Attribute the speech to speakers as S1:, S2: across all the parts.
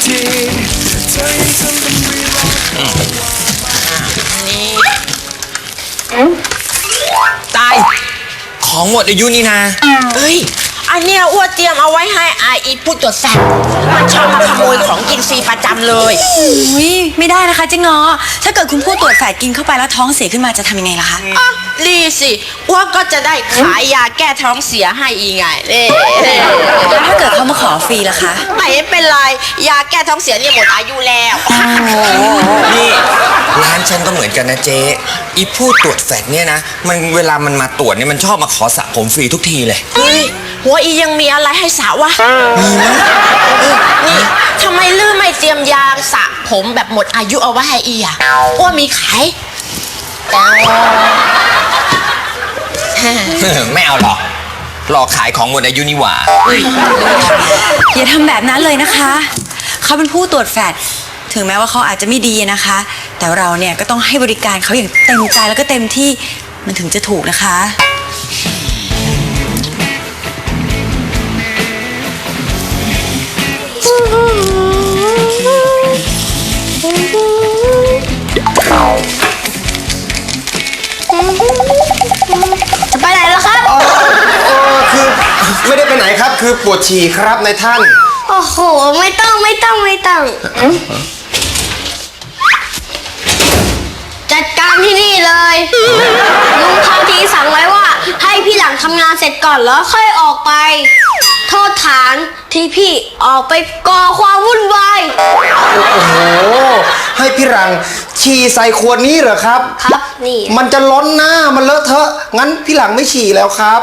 S1: ทีเธอยังทำเป็นรีรอ
S2: ตายของหมดอายุนี่นะ
S3: เอ้ยอันเนี้ยอ้วนเตรียมเอาไว้ให้อีผู้ตรวจสอบมันชอบมาขโมยของกินฟรีประจำเลย
S4: อุ้ยไม่ได้นะคะเจ๊ง้อถ้าเกิดคุณผู้ตรวจแฝดกินเข้าไปแล้วท้องเสียขึ้นมาจะทำยังไงล่ะคะ
S3: อ๋อดีสิอ้วนก็จะได้ขายยาแก้ท้องเสียให้อีไง
S4: แล้วถ้าเกิดเขามาขอฟรีล่ะคะ
S3: ไม่เป็นไรยาแก้ท้องเสียเนี่ยหมดอายุแล้ว
S2: นี่ร้านฉันก็เหมือนกันนะเจ๊อีผู้ตรวจแฟดเนี่ยนะมันเวลามันมาตรวจเนี่ยมันชอบมาขอสระผมฟรีทุกทีเลย
S3: เฮ้ยหัวอียังมีอะไรให้สระวะนี่ทำไมลืมไม่เตรียมยาสระผมแบบหมดอายุเอาไว้ให้อีอ่ะอ้วนมีขาย
S2: ไม่เอาหรอกรอขายของหมดอายุนี่หว่า
S4: อย่าทำแบบนั้นเลยนะคะเขาเป็นผู้ตรวจแฟดถึงแม้ว่าเขาอาจจะไม่ดีนะคะแต่เราเนี่ยก็ต้องให้บริการเขาอย่างเต็มใจแล้วก็เต็มที่มันถึงจะถูกนะคะ
S3: ไปไหนแล้วครับ
S5: คือไม่ได้ไปไหนครับคือปวดฉี่ครับนายท่าน
S3: โอ้โหไม่ต้องจัดการที่นี่เลยลุงพาทีสั่งไว้ว่าให้พี่หลังทำงานเสร็จก่อนแล้วค่อยออกไปโทษฐานที่พี่ออกไปก่อความวุ่นวาย
S5: โอ้โหให้พี่หลังฉี่ใส่ขวดนี้เหรอครับ
S3: ครับนี่
S5: มันจะล้นหน้ามันเลอะเทอะงั้นพี่หลังไม่ฉี่แล้วครับ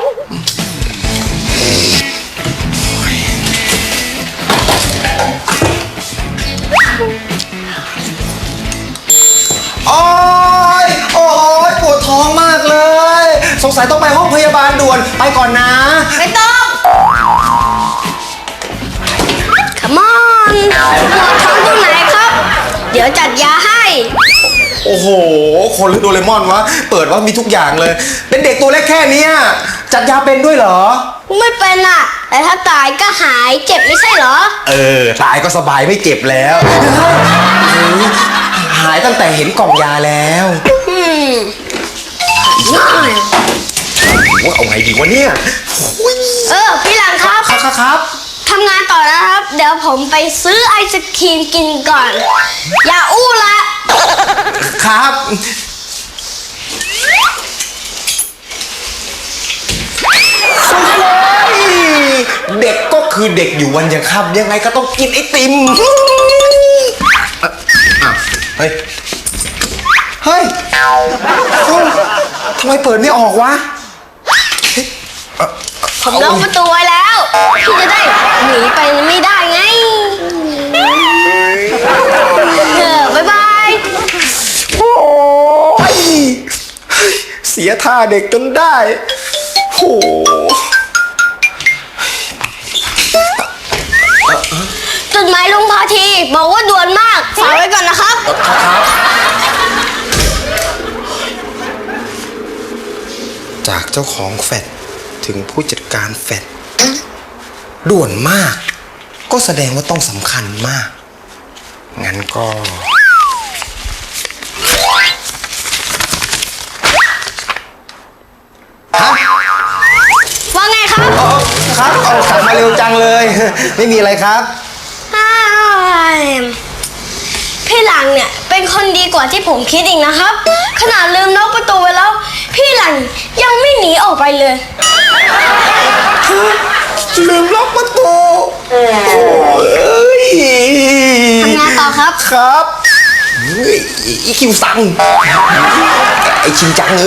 S5: โอ้ยปวดท้องมากเลยสงสัยต้องไปห้องพยาบาลด่วนไปก่อนนะ
S3: ไม่ต้องCome on ปวดท้องตรงไหนครับเดี๋ยวจัดยาให้
S5: โอ้โหคนหรือโดเรมอนวะเปิดว่ามีทุกอย่างเลยเป็นเด็กตัวเล็กแค่นี้จัดยาเป็นด้วยเหรอ
S3: ไม่เป็นอ่ะแต่ถ้าตายก็หายเจ็บไม่ใช่เหรอ
S5: ตายก็สบายไม่เจ็บแล้วหายตั้งแต่เห็นกล่องยาแล้วว่าเอาไงดีวะเนี่ย
S3: พี่หลังครับ
S5: ครับ
S3: ทำงานต่อนะครับเดี๋ยวผมไปซื้อไอศครีมกินก่อนอย่าอู้ละ
S5: ครับเด็กก็คือเด็กอยู่วันยังค่ำยังไงก็ต้องกินไอติมเฮ้ยทำไมเปิดไม่ออกวะ
S3: ผมล็อกประตูไว้แล้วพี่จะได้หนีไปไม่ได้ไงบ๊ายบาย
S5: โอ้ยเสียท่าเด็กจนได้โห
S3: จดหมายลุงพาทีบอกว่าด่วนมากฝากไว้ก่อนนะครับ
S5: จากเจ้าของแฟดถึงผู้จัดการแฟดด่วนมากก็แสดงว่าต้องสำคัญมากงั้นก็
S3: ว่าไงครับ
S5: ครับเอากลับมาเร็วจังเลยไม่มีอะไรครับ
S3: พี่หลังเนี่ยเป็นคนดีกว่าที่ผมคิดอีกนะครับขนาดลืมล็อกประตูไว้แล้วพี่หลังยังไม่หนีออกไปเลย
S5: ลืมล็อกประตู
S3: ทำงานต่อ
S5: ครับอีคิวซังไอชินจัง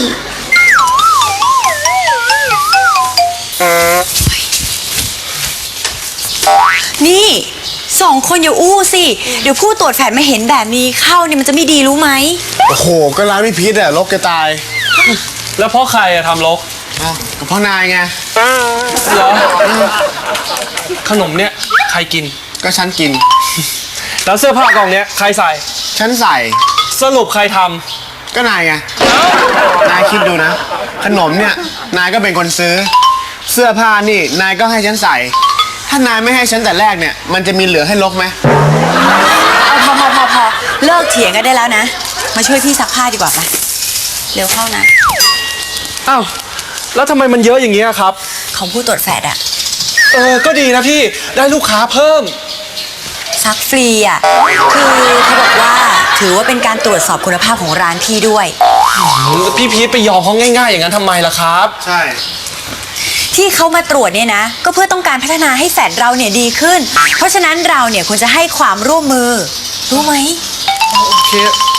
S4: นี่2 คนอย่าอู้สิเดี๋ยวผู้ตรวจแฝดมาเห็นแบบนี้เข้าเนี่ยมันจะไม่ดีรู้ไหม
S5: โอ้โหก็ร้านไม่พิษรกจะตาย
S6: แล้วเพราะใครทำรก
S5: ก็เพราะนายไง
S6: เหรอขนมเนี่ยใครกิน
S5: ก็ฉันกิน
S6: แล้วเสื้อผ้ากล่องเนี้ยใครใส่
S5: ฉันใส่
S6: สรุปใครท
S5: ำก็นายไงนายคิดดูนะขนมเนี่ยนายก็เป็นคนซื้อเสื้อผ้านี่นายก็ให้ฉันใส่
S6: ถ้านายไม่ให้ฉันแต่แรกเนี่ย มันจะมีเหลือให้ลกไหม
S4: เอาพอเลิกเถียงกันได้แล้วนะ มาช่วยพี่ซักผ้าดีกว่าไปเร็วเข้านะ
S6: อ้าว แล้วทำไมมันเยอะอย่างเงี้ยครับ
S4: ของผู้ตรวจแฟดอะ
S6: ก็ดีนะพี่ ได้ลูกค้าเพิ่ม
S4: ซักฟรีอะคือเขาบอกว่าถือว่าเป็นการตรวจสอบคุณภาพของร้านพี่ด้วย
S6: พี่พีทไปยอมเขาง่ายๆอย่างนั้นทำไมล่ะครับ ใช่
S4: ที่เขามาตรวจเนี่ยนะ ก็เพื่อต้องการพัฒนาให้แฟดเราเนี่ยดีขึ้น เพราะฉะนั้นเราเนี่ยควรจะให้ความร่วมมือ รู้ไหม
S6: โอเค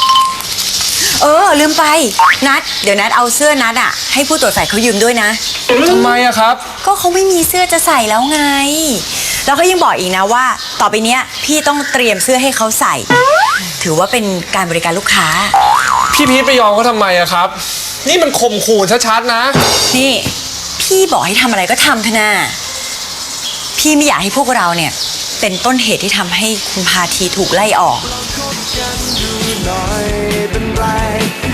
S4: ลืมไปนัดเดี๋ยวนัดเอาเสื้อนัดอะให้ผู้ตรวจแฟดเขายืมด้วยนะ
S6: ทำไมอะครับ
S4: ก็เขาไม่มีเสื้อจะใส่แล้วไง แล้วเขายังบอกอีกนะว่า ต่อไปเนี้ยพี่ต้องเตรียมเสื้อให้เขาใส่ ถือว่าเป็นการบริการลูกค้า
S6: พี่พีทไปยอมเขาทำไมอะครับ นี่มันข่มขู่ชัดๆนะ
S4: นี่ พี่บอกให้ทำอะไรก็ทำเถอะนะพี่ไม่อยากให้พวกเราเนี่ยเป็นต้นเหตุที่ทำให้คุณพาทีถูกไล่ออก
S1: หน่อยเป็นไร